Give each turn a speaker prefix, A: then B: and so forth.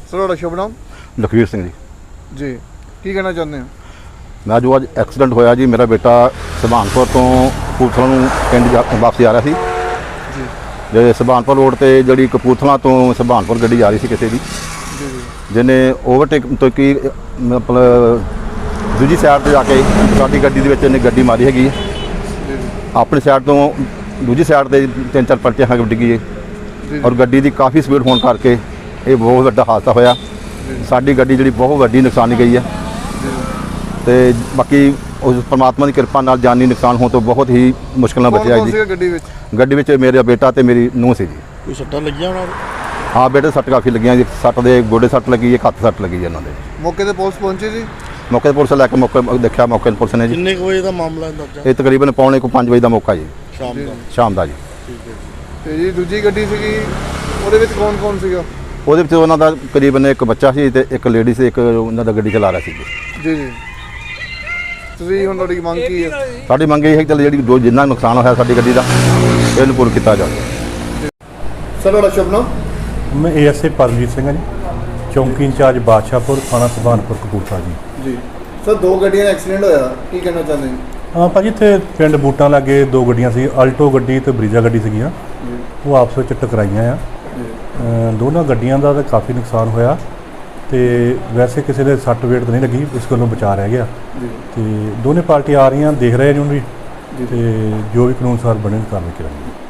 A: Sir ਤੁਹਾਡਾ ਸ਼ੁਭ ਨਾਮ?
B: ਲਖਵੀਰ ਸਿੰਘ
A: ਜੀ, ਕੀ ਕਹਿਣਾ ਚਾਹੁੰਦੇ ਹੋ?
B: ਮੈਂ ਜੋ ਅੱਜ ਐਕਸੀਡੈਂਟ ਹੋਇਆ ਜੀ, ਮੇਰਾ ਬੇਟਾ ਸੁਭਾਨਪੁਰ ਤੋਂ ਕਪੂਰਥਲਾ ਨੂੰ ਪਿੰਡ ਵਾਪਸ ਆ ਰਿਹਾ ਸੀ
A: ਜੀ
B: ਜੇ ਸੁਭਾਨਪੁਰ ਰੋਡ ਤੇ ਜਿਹੜੀ ਕਪੂਰਥਲਾ ਤੋਂ ਸੁਭਾਨਪੁਰ ਗੱਡੀ ਆ ਰਹੀ ਸੀ ਕਿਸੇ ਦੀ,
A: ਜੀ
B: ਜਿਹਨੇ ਓਵਰਟੇਕ ਤੋਂ ਕੀ ਮਤਲਬ ਦੂਜੀ ਸਾਈਡ ਤੇ ਜਾ ਕੇ ਸਾਡੀ ਗੱਡੀ ਦੇ ਵਿੱਚ ਇਹਨੇ ਗੱਡੀ ਮਾਰੀ ਹੈਗੀ ਹੈ।
A: ਜੀ
B: ਆਪਣੀ ਸਾਈਡ ਤੋਂ ਦੂਜੀ ਸਾਈਡ ਤੇ 3-4 ਪਲਟੀਆਂ ਖਾ ਕੇ ਡਿੱਗੀ ਹੈ
A: ਜੀ
B: ਔਰ ਗੱਡੀ ਦੀ ਕਾਫੀ ਸਪੀਡ ਹੋਣ ਕਰਕੇ ਇਹ ਬਹੁਤ ਵੱਡਾ ਹਾਦਸਾ ਹੋਇਆ। ਸਾਡੀ ਗੱਡੀ ਜਿਹੜੀ ਬਹੁਤ ਵੱਡੀ ਨੁਕਸਾਨੀ ਗਈ ਹੈ ਤੇ ਬਾਕੀ ਉਸ ਪਰਮਾਤਮਾ ਦੀ ਕਿਰਪਾ ਨਾਲ ਜਾਨੀ ਨੁਕਸਾਨ ਹੋਣ ਤੋਂ ਬਹੁਤ ਹੀ ਮੁਸ਼ਕਿਲ ਨਾਲ ਬਚਿਆ ਜੀ। ਗੱਡੀ ਵਿੱਚ ਮੇਰਾ ਬੇਟਾ ਤੇ ਮੇਰੀ ਨੂੰਹ ਸੀ ਜੀ।
C: ਕੋਈ ਸੱਟਾਂ ਲੱਗੀਆਂ ਉਹਨਾਂ ਨੂੰ?
B: ਹਾਂ ਬੇਟੇ ਸੱਟ ਕਾਫੀ ਲੱਗੀਆਂ ਜੀ, ਸੱਟ ਦੇ ਗੋਡੇ ਸੱਟ ਲੱਗੀ, ਇੱਕ ਹੱਥ ਸੱਟ ਲੱਗੀ ਜੀ ਇਹਨਾਂ ਦੇ।
A: ਮੌਕੇ ਤੇ ਪੁਲਿਸ ਪਹੁੰਚੀ ਜੀ?
B: ਮੌਕੇ ਤੇ ਪੁਲਿਸ ਲੈ ਕੇ ਮੌਕੇ ਦੇਖਿਆ, ਮੌਕੇ ਤੇ ਪੁਲਿਸ ਨੇ ਜੀ।
C: ਕਿੰਨੇ ਕੁ ਵਜੇ ਦਾ ਮਾਮਲਾ ਅੰਦਾਜ਼ਾ?
B: ਇਹ ਤਕਰੀਬਨ 4:45 ਵਜੇ ਦਾ ਮੌਕਾ ਜੀ,
C: ਸ਼ਾਮ ਦਾ।
B: ਸ਼ਾਮ ਦਾ ਜੀ।
C: ਠੀਕ ਹੈ ਜੀ।
A: ਤੇ ਜੀ ਦੂਜੀ ਗੱਡੀ ਸੀਗੀ, ਉਹਦੇ ਵਿੱਚ ਕੌਣ ਸੀਗਾ?
B: ਉਹਦੇ ਵਿੱਚ ਉਹਨਾਂ ਦਾ ਤਕਰੀਬਨ ਇੱਕ ਬੱਚਾ ਸੀ ਤੇ ਇੱਕ ਲੇਡੀ ਸੀ, ਇੱਕ ਉਹਨਾਂ ਦਾ ਗੱਡੀ ਚਲਾ ਰਿਹਾ ਸੀ
A: ਜੀ ਜੀ। ਤੁਸੀਂ ਹੁਣ ਤੁਹਾਡੀ ਮੰਗ ਕੀ ਹੈ?
B: ਸਾਡੀ ਮੰਗ ਇਹ ਹੈ ਕਿ ਚੱਲ ਜਿਹੜੀ ਜੋ ਜਿੰਨਾ ਨੁਕਸਾਨ ਹੋਇਆ ਸਾਡੀ ਗੱਡੀ ਦਾ ਇਹਨੂੰ ਪੂਰਾ ਕੀਤਾ ਜਾਵੇ।
A: ਸਰ ਤੁਹਾਡਾ ਸ਼ੁਭ ਨਾਮ?
D: ਮੈਂ ਏਐਸਏ ਪਰਮਜੀਤ ਸਿੰਘ ਹਾਂ ਜੀ, ਚੌਂਕੀ ਇੰਚਾਰਜ ਬਾਦਸ਼ਾਹਪੁਰ, ਥਾਣਾ ਸੁਭਾਨਪੁਰ, ਕਪੂਰਥਲਾ ਜੀ।
A: ਜੀ ਸਰ, ਦੋ ਗੱਡੀਆਂ ਦਾ ਐਕਸੀਡੈਂਟ ਹੋਇਆ, ਕੀ ਕਹਿਣਾ ਚਾਹੁੰਦੇ ਹੋ?
D: ਹਾਂ ਭਾਜੀ, ਇੱਥੇ ਪਿੰਡ ਬੂਟਾਂ ਲਾਗੇ ਦੋ ਗੱਡੀਆਂ ਸੀ, ਅਲਟੋ ਗੱਡੀ ਤੇ ਬਰੀਜਾ ਗੱਡੀ ਸੀਗੀਆਂ, ਉਹ ਆਪਸ ਵਿੱਚ ਟਕਰਾਈਆਂ ਆ। ਦੋਨਾਂ ਗੱਡੀਆਂ ਦਾ ਤਾਂ ਕਾਫੀ ਨੁਕਸਾਨ ਹੋਇਆ ਤੇ ਵੈਸੇ ਕਿਸੇ ਦੇ ਸੱਟ ਵੇਟ ਤਾਂ ਨਹੀਂ ਲੱਗੀ, ਇਸ ਗੱਲੋਂ ਬਚਾ ਰਹਿ ਗਿਆ। ਤੇ ਦੋਨੇ ਪਾਰਟੀ ਆ ਰਹੀਆਂ, ਦੇਖ ਰਹੇ ਨੇ ਉਹਨੂੰ ਵੀ, ਤੇ ਜੋ ਵੀ ਕਾਨੂੰਨ ਅਨੁਸਾਰ ਬਣੇ ਕਾਰਵਾਈ ਕਰਾਂਗੇ।